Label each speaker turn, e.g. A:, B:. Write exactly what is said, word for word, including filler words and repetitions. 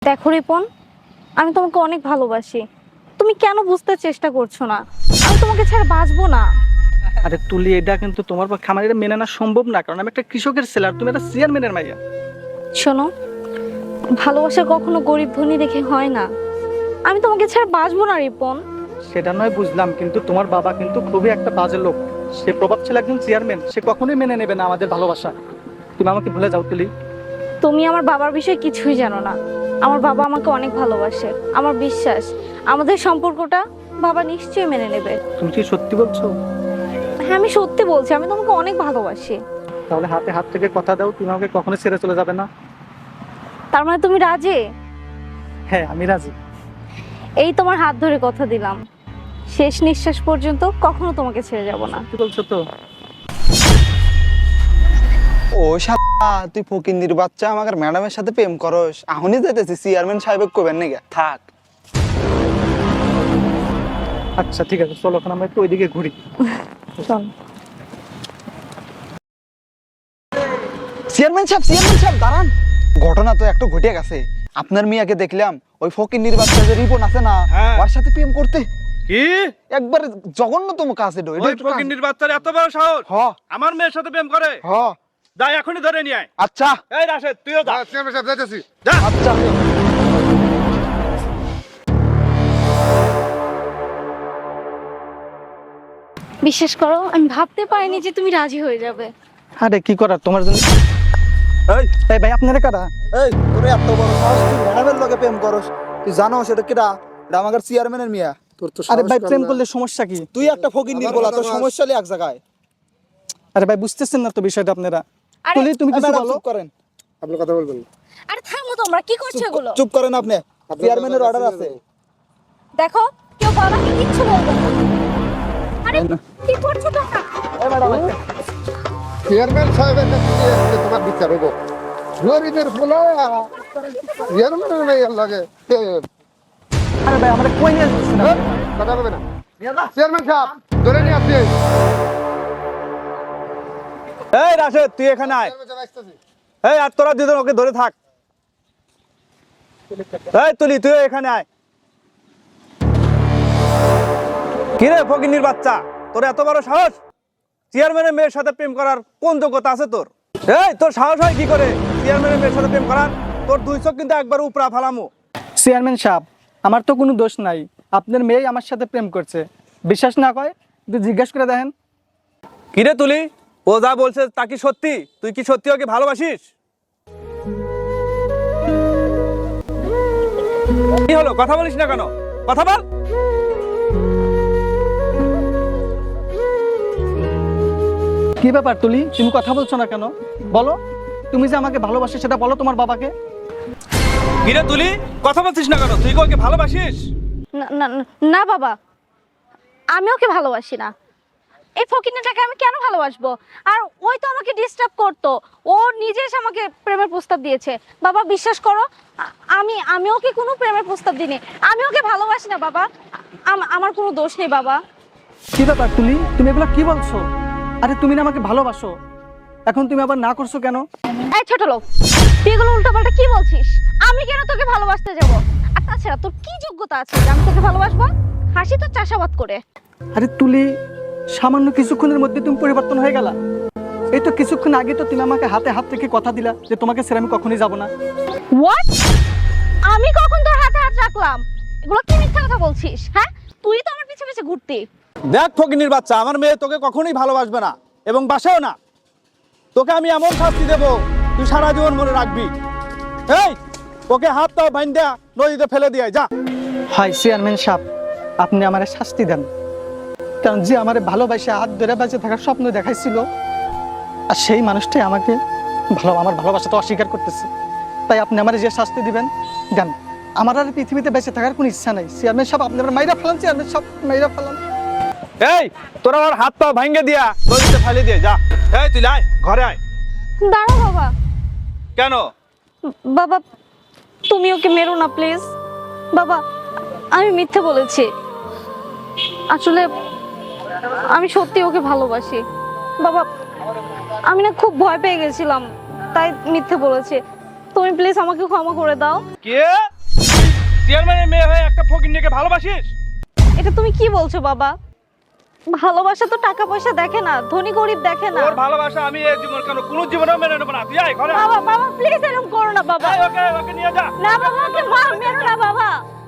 A: দেখো রিপন, আমি তোমাকে অনেক ভালোবাসি। তুমি কেন বুঝতে চেষ্টা করছো না? আমি তোমাকে ছাড়া বাঁচবো না।
B: আরে তুলি, এটা কিন্তু তোমার পক্ষে আমার এটা মেনে নেওয়া সম্ভব না, কারণ আমি একটা কৃষকের ছেলে আর তুমি একটা চেয়ারম্যানের মাইয়া।
A: শোনো, ভালোবাসা কখনো গরিব ধনী দেখে হয় না। আমি তোমাকে ছাড়া বাঁচবো না রিপন।
B: সেটা নয় বুঝলাম, কিন্তু তোমার বাবা কিন্তু খুবই একটা বাজে লোক। সে প্রভাবশালী একজন চেয়ারম্যান, সে কখনোই মেনে নেবে না আমাদের ভালোবাসা। তুমি আমাকে ভুলে যাও তুলি।
A: তুমি আমার বাবার বিষয়ে কিছুই জানো না। আমার বাবা আমাকে অনেক ভালোবাসে। আমার বিশ্বাস আমাদের সম্পর্কটা বাবা নিশ্চয়ই মেনে নেবে।
B: তুমি কি সত্যি বলছো?
A: হ্যাঁ, আমি সত্যি বলছি, আমি তোমাকে অনেক ভালোবাসি।
B: তাহলে হাতে হাত থেকে কথা দাও, তুমি আমাকে কখনো ছেড়ে চলে যাবে না।
A: তার মানে তুমি রাজি?
B: হ্যাঁ, আমি রাজি।
A: এই তোমার হাত ধরে কথা দিলাম, শেষ নিঃশ্বাস পর্যন্ত কখনো তোমাকে ছেড়ে যাব না।
B: সত্যি বলছো তো?
C: ও শালা, তুই ফকিন্দির বাচ্চা আমাকে ম্যাডামের সাথে প্রেম করস। এখনই যেতেছি চেয়ারম্যান সাহেব কবেন নাকি? থাক।
B: আচ্ছা ঠিক আছে, চলো এখন আমরা একটু ওইদিকে ঘুরি।
A: চল।
C: চেয়ারম্যান সাহেব, চেয়ারম্যান সাহেব দাঁড়ান। ঘটনা তো একটু ঘটে গেছে। আপনার মিয়াকে দেখলাম ওই ফকিন্দির বাচ্চা যে রিপন আছে না,
D: হ্যাঁ।
C: ওর সাথে প্রেম করতে।
D: কি?
C: একবার জঘন্যতম কাজ এটা।
D: ওই ফকিন্নির বাচ্চার এত বড় সাহস
C: হ
D: আমার মেয়ের সাথে প্রেম করে?
C: হ
D: যাই এখনই ধরে নিয়ে আয়।
C: আচ্ছা
D: এই রাশেদ, তুইও যা।
E: চেয়ারম্যান সাহেব যাইতেছি।
D: যা।
C: আচ্ছা।
A: বিশ্বাস করো, আমি ভাবতে পারিনি যে তুমি রাজি হয়ে যাবে।
B: আরে কি করার তোমার জন্য।
C: এই
B: এই ভাই, আপনারা কারা?
C: এই তোর এত বড় সাহস, তুই ম্যাডামের লগে প্রেম করস? তুই জানো সেটা কিরা? এটা আমাদের চেয়ারম্যানের মিয়া।
E: তোর তো
B: আরে ভাই,
E: সাহস
B: প্রেম
E: কম না।
B: করলে সমস্যা কি?
C: তুই একটা ফকিন্দির বলা, তোর সমস্যা নেই এক জায়গায়।
B: আরে ভাই, বুঝতেছেন না তো বিষয়টা আপনারা।
A: আরে,
B: তুলি, তুমি
C: এই
B: কিছু
C: ম্যাডাম,
B: বলো।
C: চুপ করেন।
E: আপনি কথা বলবেন না।
A: আরে থামো তোমরা, কি করছো এগুলো?
C: চুপ করেন আপনি। চেয়ারম্যানের অর্ডার আছে।
A: দেখো, কেউ বাবাকে কিচ্ছু বলবে না। আরে কি করছো তোমরা?
C: এই ম্যাডাম,
E: চেয়ারম্যান সাহেবের কাছে গিয়ে আজকে তোমার বিচার হবো। গরিবের ফুলা চেয়ারম্যানের মেয়ের লাগে প্রেম।
B: আরে ভাই, আমরা কই নিয়ে যাচ্ছি না।
E: কথা বলবে না। চেয়ারম্যান সাহেব ধরে নিয়ে আসছি।
D: এই রাশেদ, তুই এখানে আয়।
E: চেয়ারম্যান সাহেব আসতেছি।
D: এই আর তোরা দুজন ওকে ধরে থাক। এই তুলি, তুই এখানে আয়। কি রে ফকিন্নির বাচ্চা, তোর এত বড় সাহস? চেয়ারম্যানের মেয়ের সাথে প্রেম করার কোন যোগ্যতা আছে তোর? এই তোর সাহস হয় কি করে চেয়ারম্যানের মেয়ের সাথে প্রেম করার? তোর দুই চোখ কিন্তু একবার উপরা ফালামু।
B: চেয়ারম্যান সাহেব, আমার তো কোনো দোষ নাই। আপনার মেয়ে আমার সাথে প্রেম করছে। বিশ্বাস না করে একটু জিজ্ঞেস করে দেখেন।
D: কি রে তুলি, ও যা বলছে তা কি সত্যি? তুই কি সত্যি ওকে ভালোবাসিস? কি হলো, কথা বলিস না কেন? কথা বল।
B: কি ব্যাপার তুলি, তুমি কথা বলছো না কেন? বলো, তুমি যে আমাকে ভালোবাসো সেটা বলো তোমার বাবাকে।
D: কি রে তুলি, কথা বলছিস না কেন? তুই কি ওকে ভালোবাসিস?
A: না না না, না বাবা, আমি ওকে ভালোবাসি না। এই ফকিন্নিটাকে আমি কেন ভালোবাসবো? আর ওই তো আমাকে ডিস্টার্ব করতো। ও নিজে এসে আমাকে প্রেমের প্রস্তাব দিয়েছে। বাবা বিশ্বাস করো, আ- আমি আমি ওকে কোনো প্রেমের প্রস্তাব দিইনি। আমি ওকে ভালোবাসি না বাবা। আম- আমার কোনো দোষ নেই বাবা।
B: কি ব্যাপার তুলি, তুমি এগুলো কি বলছো? আরে তুমি না আমাকে ভালোবাসো, এখন তুমি আবার না করছো কেন?
A: এই ছোট লোক, তুই এগুলো উল্টোপাল্টা কি বলছিস? আমি কেন তোকে ভালোবাসতে যাব? আর তাছাড়া তোর কি যোগ্যতা আছে যে আমি তোকে ভালোবাসবো? হাসি তো চাষাবাদ করে।
B: আরে তুলি, সামান্য কিছুক্ষণের মধ্যে তুমি পরিবর্তন হয়ে গেলা। এই তো কিছুক্ষণ আগে তো তুমি আমাকে হাতে হাত রেখে কথা দিলা যে তোমাকে ছেড়ে আমি কখনোই যাব না।
A: হোয়াট? আমি কখন তোর হাতে হাত রাখলাম? এগুলো কি মিথ্যা কথা বলছিস? হ্যাঁ, তুই তো আমার পিছে পিছে ঘুরতি।
D: দেখ ফকিন্নির বাচ্চা, আমার মেয়ে তোকে কখনোই ভালোবাসবে না এবং বাসেও না। তোকে আমি এমন শাস্তি দেবো তুই সারা জীবন মনে রাখবি। এই ওকে হাত পাও বাইন্ধা নদীতে ফেলে দিয়ে যা।
B: হয় চেয়ারম্যান সাহেব, আপনি আমারে শাস্তি দেন, কারণ যে আমার ভালোবাসে হাত ধরে বেঁচে থাকার স্বপ্ন দেখাইছিল, আর সেই মানুষটাই আমাকে ভালো আমার ভালোবাসা তো অস্বীকার করতেছে। তাই আপনি আমার যে শাস্তি দিবেন দেন। আমার আর পৃথিবীতে বেঁচে থাকার কোনো ইচ্ছা নাই। চেয়ারম্যান সাহেব, আপনি আমার মাইরা ফেলান। চেয়ারম্যান সাহেব, মাইরা ফেলান।
D: এই তোরা ওর হাত পা ভাঙ্গে দিয়া নদীতে ফেলে দিয়ে যা। এই তুই আয়, ঘরে আয়।
A: দাঁড়াও বাবা।
D: কেন?
A: বাবা, তুমি ওকে মেরো না প্লিজ। বাবা, আমি মিথ্যে বলেছি। আসলে আমি সত্যি ওকে ভালোবাসি। বাবা, আমি না খুব ভয় পেয়ে গেছিলাম, তাই মিথ্যে বলেছি। তুমি প্লিজ আমাকে ক্ষমা করে দাও।
D: কে? চেয়ারম্যানের মেয়ে হয়ে একটা ফকিন্নিকে ভালোবাসিস?
A: এটা তুমি কি বলছো বাবা? ভালোবাসা তো টাকা পয়সা দেখে না, ধনী গরিব দেখে না।
D: তোর ভালোবাসা আমি এই জীবন কেন কোনো জীবনেও মেনে নেব না। তুই আয় ঘরে।
A: বাবা বাবা প্লিজ এরকম করো না বাবা।
D: এই, ওকে ওকে নিয়ে যা।
A: না বাবা, ওকে মার মেরো না বাবা।